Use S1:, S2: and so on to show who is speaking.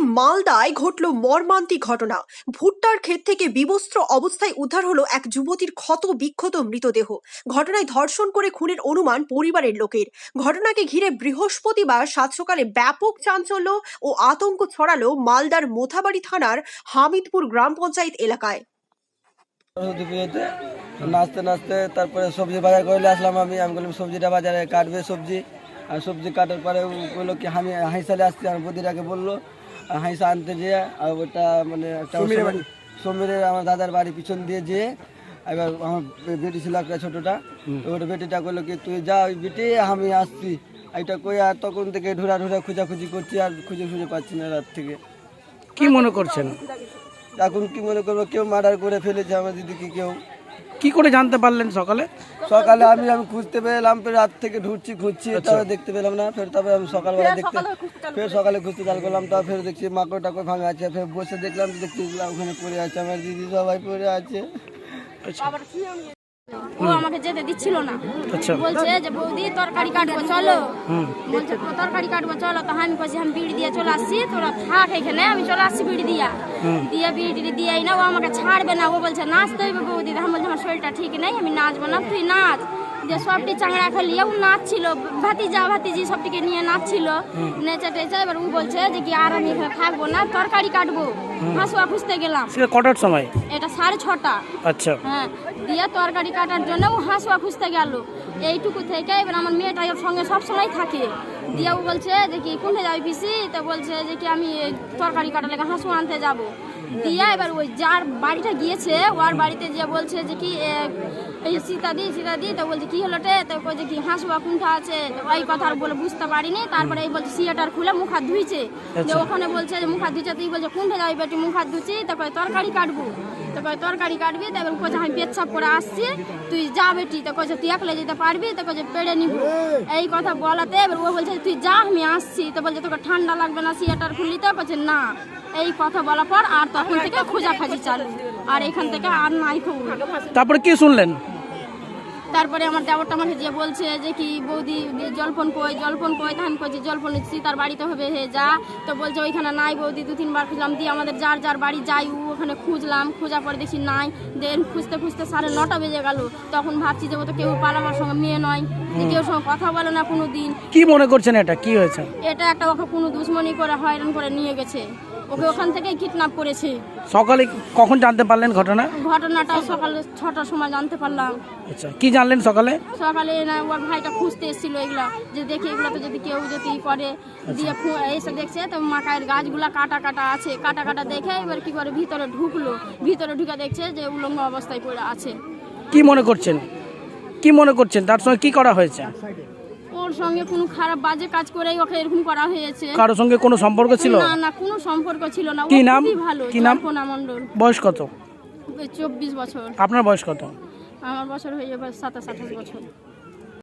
S1: মালদায় ঘটল মর্মান্তিক ঘটনা। ভুট্টার ক্ষেত থেকে বিবস্ত্র অবস্থায় উদ্ধার হলো এক যুবতীর ক্ষত বিক্ষত মৃতদেহ। ঘটনায় ধর্ষণ করে খুনের অনুমান পরিবারের লোকের। ঘটনাকে ঘিরে বৃহস্পতিবার সাত সকালে ব্যাপক চাঞ্চল্য ও আতঙ্ক ছড়ালো মালদার মোথাবাড়ি থানার হামিদপুর গ্রাম পঞ্চায়েত এলাকায়।
S2: নাচতে নাচতে তারপরে সবজি বাজার করে আসলাম। আমি বললাম সবজিটা বাজারে কাটবে সবজি, আর সবজি কাটার পরে বললো কি আমি হাঁসালে আসছি। আমার বদিরাকে বললো হাঁসা আনতে যেয়ে, আর ওটা মানে একটা সমীরের আমার দাদার বাড়ি পিছন দিয়ে যেয়ে, এবার আমার বেটি ছিল একটা ছোটোটা, ওটা বেটিটা করলো কি তুই যা ওই বেটি আমি আসছি এটা কই। আর তখন থেকে ঢোরা খোঁজাখুঁজি করছি, আর খুঁজে পাচ্ছি না রাত থেকে।
S3: কি মনে করছেন
S2: এখন কি মনে করবো, কেউ মার্ডার করে ফেলেছে আমার দিদিকে। কেউ
S3: কি করে জানতে পারলেন সকালে?
S2: আমি খুঁজতে পেলাম, রাত থেকে খুঁজছি, তবে দেখতে পেলাম না। তারপরে আমি সকালবেলা সকালে খুঁজতে চাল করলাম, তারপর ফের দেখছি মাকড় টাকড় ভাঙা আছে। ফের বসে দেখলাম, দেখছি ওখানে পড়ে আছে আমার দিদি, সবাই পড়ে আছে।
S4: ও আমাকে যেতে দিচ্ছিল না, বলছে যে বৌদি তরকারি কাটবো চলো, বলছে তরকারি কাটবো চলো। তো আমি বলছি আমি বিড়ি দিয়ে চলে আসছি, তোরা থাক এখানে, আমি চলে আসছি বিড়ি দিয়ে বিড়ি দিয়ে না। ও আমাকে ছাড়বে না, ও বলছে নাচতে হইবে বৌদি। আমি বলছি আমার শরীরটা ঠিক নেই, আমি নাচবো না, তুই নাচ। যে সবটি চাংড়া খেলিয়ে ও নাচছিল, ভাতিজি সবটিকে নিয়ে নাচছিল, নেচে টেচে। এবার ও বলছে যে কি আর আমি এখানে থাকবো না, তরকারি কাটবো। হাঁসুয়া খুঁজতে গেলাম,
S3: কটার সময়?
S4: এটা 6:30।
S3: আচ্ছা,
S4: হ্যাঁ, দিয়ে তরকারি কাটার জন্য ও হাঁসুয়া খুঁজতে গেল। এইটুকু থেকে এবার আমার মেয়েটা ওর সঙ্গে সবসময় থাকে। দিয়ে ও বলছে যে কি কোনটা যাবি পিসি? তো বলছে যে কি আমি তরকারি কাটার লেগে হাঁসু আনতে যাবো। দিয়ে এবার ওই যার বাড়িটা গিয়েছে ওর বাড়িতে যে বলছে যে কি এই সীতাদি। তো বলছে কি হলো রে? তো বলছে কি হাঁসুয়া কোনটা আছে? তো ওই কথা বলে বুঝতে পারিনি। তারপরে এই বলছে সিয়াটার খুলে মুখ হাত ধুইছে। যে ওখানে বলছে যে মুখ হাত ধুইছে। তুই বলছে কোনটা যাবি বেটি? মুখ হাত ধুচ্ছি। তারপরে তরকারি কাটবো। তো তরকারি কাটবি। তারপর বলছে আমি পেচ্ছাপ করে আসছি, তুই যা বেটি। তো কইছে তুই একলে যেতে পারবি? তো কইছে পেড়ে নিব। এই কথা বলাতে এবার ও বলছে তুই যা আমি আসছি। তো বলছে তোকে ঠান্ডা লাগবে না সিয়াটার খুললি? তো বলছে না। এই কথা বলার পর আর তখন থেকে খোঁজাখাজি চালু, আর এখান থেকে আর নাই খবর।
S3: তারপরে কি শুনলেন?
S4: তারপরে আমার দেবরটা আমাকে যে বলছে যে কি বৌদি জলপন কই। তা আমি কইছি জলপন তার বাড়িতে হবে, হে যা। তো বলছে ওইখানে নাই বৌদি। 2-3 বার খুঁজলাম, দিয়ে আমাদের যার বাড়ি যাই ওখানে খুঁজলাম, খোঁজা পরে দেখি নাই। দেন খুঁজতে 9:30 বেজে গেল। তখন ভাবছি যে ও তো কেউ পালাবার সঙ্গে মেয়ে নয়, যে কেউ সঙ্গে কথা বলে না কোনো দিন।
S3: কি মনে করছেন এটা কি হয়েছে?
S4: এটা একটা ওকে কোনো দুশ্মনী করে হয়রান করে নিয়ে গেছে, ওকে ওখান থেকেই কিডন্যাপ করেছে।
S3: সকালে কখন জানতে পারলেন
S4: ঘটনাটা সকাল 6টার সময় জানতে পারলাম।
S3: আচ্ছা, কি জানলেন সকালে?
S4: না ওর ভাইটা খুঁজতে এসেছিল এগুলা, যে দেখি এগুলো তো যদি কেউ যদি করে। দিয়ে এসে দেখছে তো মাকায়ের গাছগুলা কাটা আছে। কাটা দেখে এবার কি করে ভিতরে ঢুকে দেখছে যে উলঙ্গ অবস্থায় পড়ে আছে।
S3: কি মনে করছেন তার সঙ্গে কি করা হয়েছে?
S4: ওর সঙ্গে কোনো খারাপ বাজে কাজ করেই ওকে এরকম করা হয়েছে।
S3: কারোর সঙ্গে কোনো সম্পর্ক ছিল?
S4: না কোনো সম্পর্ক ছিল না।
S3: কি নাম?
S4: ভালো, জল্পনা মণ্ডল।
S3: বয়স কত?
S4: 24 বছর।
S3: আপনার বয়স কত?
S4: আমার বছর হয়ে যাবে 27-28 বছর।